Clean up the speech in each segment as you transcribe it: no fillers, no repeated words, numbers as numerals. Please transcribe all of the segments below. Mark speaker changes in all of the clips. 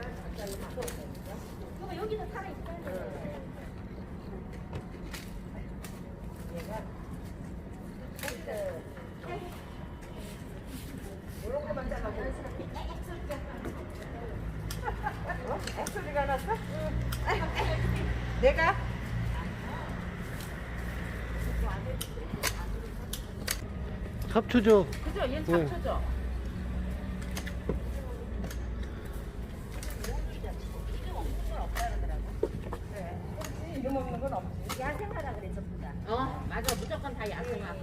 Speaker 1: 그럼 여기서 살아있어야 돼.
Speaker 2: 얘가 이렇게만 잘라고. 액소리가 났어? 내가?
Speaker 3: 잡초죠.
Speaker 2: 그죠? 얘는
Speaker 3: 네.
Speaker 2: 잡초죠? 이름 없는 건 없지.
Speaker 1: 야생하라 그래 전부 다.
Speaker 2: 맞아. 무조건 다 야생화.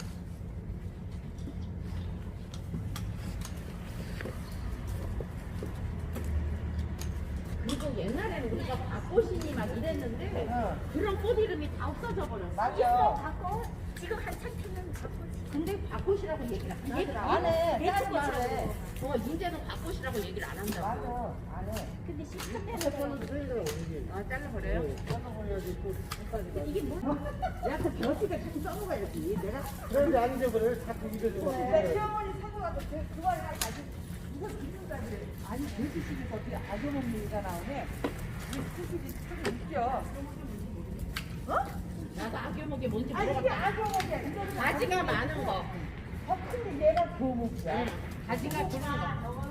Speaker 2: 그리고 옛날에는 우리가 밭꽃이니 막 이랬는데 그런 꽃 이름이 다 없어져 버렸어.
Speaker 1: 있어 갖고 지금 한참 피는 갖고.
Speaker 2: 근데 밭꽃이라고 얘기를 안 하더라.
Speaker 1: 안 해.
Speaker 2: 대충 이제는 밭꽃이라고 얘기를 안 한다고.
Speaker 1: 맞아. 안 해. 근데 시간대는
Speaker 2: 잘라버려요?
Speaker 3: 잘라버려야지 또 끝까지.
Speaker 2: 이게 뭐? 야, 그 벼슬에 자꾸 써먹어야지. 내가
Speaker 3: 그런데 안 잊어버려요. 자꾸 잊어주고.
Speaker 2: 시어머니 사고 가서 그걸 가지고 이거 기준까지 아니 돼지집에서 어떻게 악어먹는 나오네. 이 수술이 참 웃겨. 나도 악어먹이 뭔지 물어봤다. 이게 악어먹이야. 가지가 많은 거. 근데 얘가 교목이야. 가지가 굵은 거.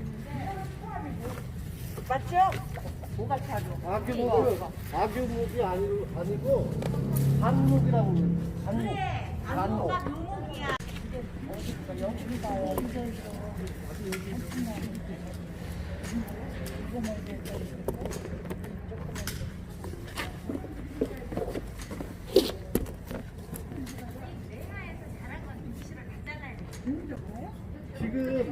Speaker 2: 맞죠? 뭐가 차려?
Speaker 3: 악유목이 아니고 반목이라고 그래요. 반목. 반목.
Speaker 1: 묘목이야.
Speaker 3: 지금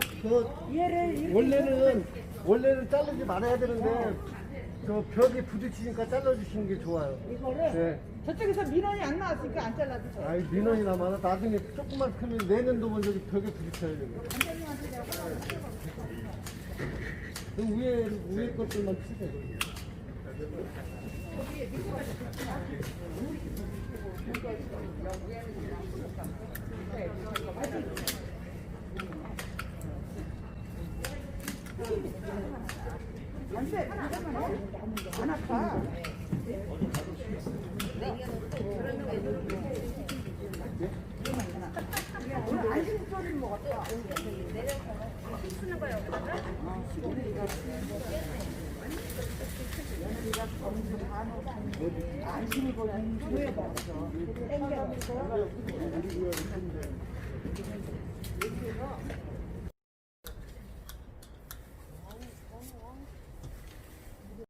Speaker 3: 원래는 자르지 말아야 되는데 저 벽에 부딪히니까 잘라주시는 게 좋아요.
Speaker 2: 이거를
Speaker 3: 네.
Speaker 2: 저쪽에서 민원이 안 나왔으니까 안 잘라도 돼.
Speaker 3: 아이 민원이나 많아. 나중에 조금만 크면 내년도면 저기 벽에 부딪혀야 되고. 그럼 위에 것들만 치세요.
Speaker 2: 안 아파. 오늘 안심 소리를 먹었다.
Speaker 1: 쓰는 거야 여기다가.
Speaker 2: 안심이 보는 후에 받아서 땡겨서